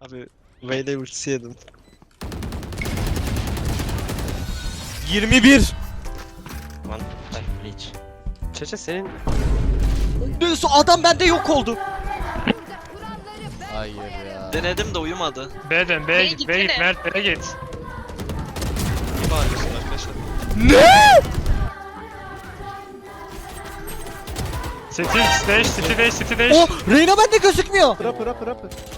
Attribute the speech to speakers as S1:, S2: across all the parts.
S1: Abi Vayne ultisi yedim.
S2: 21.
S1: Lan Bleach. Çeçe senin
S2: Neyse adam bende yok oldu. Hayır ya.
S1: denedim de uyumadı.
S3: B'den B'ye git, B'ye git, Mert B'ye git.
S1: İyi bağırıyorsun arkadaşlar.
S2: Ne?
S3: City dash, City dash, City dash.
S2: Oh, Reyna bende gözükmüyor.
S4: Rapper.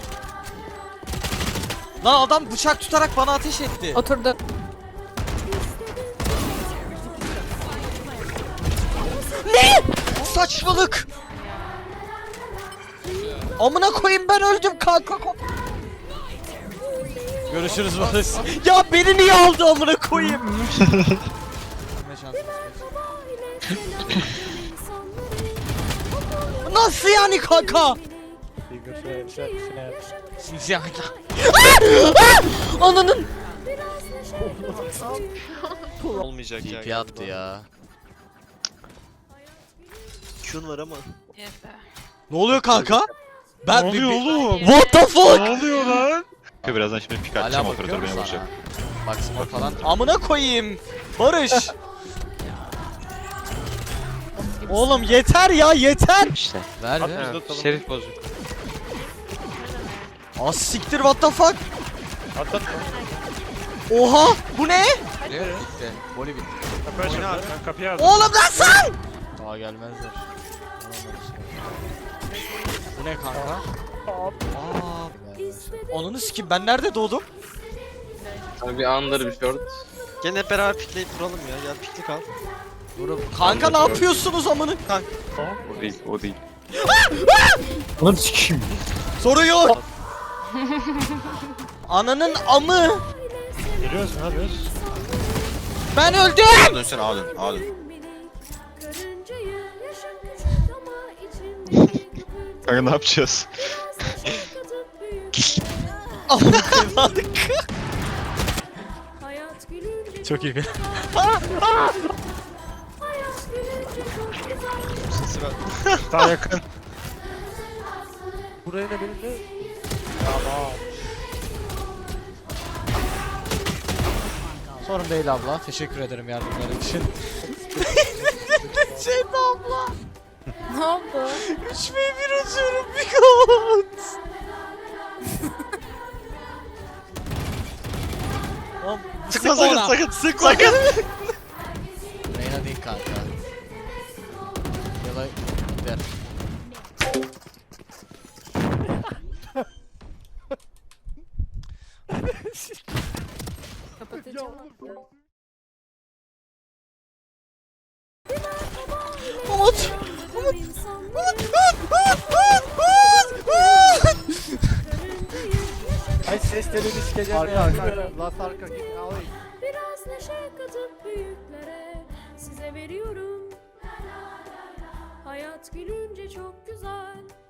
S2: Lan adam bıçak tutarak bana ateş etti.
S5: Oturdu.
S2: Ne? Saçmalık. Amına koyayım ben öldüm kanka. Görüşürüz Barış. Ya beni niye aldı amına koyayım? Nasıl yani kanka? Ananın.
S1: Olmayacak ya.
S2: TP attı ya.
S1: Q'un var ama.
S2: Ne oluyor kanka? Ben
S3: Ne oluyor oğlum?
S2: What the fuck?
S3: Ne oluyor lan?
S6: Birazdan şimdi pik
S2: Hala
S6: atacağım,
S2: bakıyor
S6: operatör beni
S2: musun
S6: vuracak.
S2: sana? Bak smoke falan. Amına koyayım. Barış. Oğlum yeter ya yeter.
S1: İşte.
S2: Ver ver.
S1: Evet, şerif bozuk.
S2: Az siktir what the fuck.
S3: Atlat.
S2: Oha bu ne?
S5: Bitti.
S2: Voli bitti.
S3: Kapıyı açın. Ben kapıyı aldım.
S2: Oğlum nasıl? Aa gelmezler. Bu ne kanka? Aa. Onunu sikim ben nerede doğdum?
S7: Abi bir under bir short.
S1: Gel hep beraber pikleyip vuralım ya. Gel piklik al.
S2: Kanka ne yapıyorsunuz amını?
S6: O değil.
S4: Anam sikeyim.
S2: Sorun yok. Ananın amı.
S3: Geliyoruz, ne yapıyoruz?
S2: Ben öldüm.
S6: Dönsene A dön. Kanka ne yapacağız?
S2: Amına koymadık. Çok iyi.
S1: Sesi ver.
S3: Daha yakın.
S4: Buraya ne benim de?
S2: Sorun değil abla. Teşekkür ederim yardımların için. Şeyda abla.
S5: Ne oldu?
S2: 3v1 atıyorum bir god.
S1: Sıkma sakın.
S2: Sıkma. Reyna değil kanka. Ya da gider.
S5: Kapatacağım.
S2: Umut.
S4: Ay seslerini sikeceğim arka. Last arka git alayım.
S8: Biraz neşe katıp büyüklere size veriyorum. Hayat gülünce çok güzel.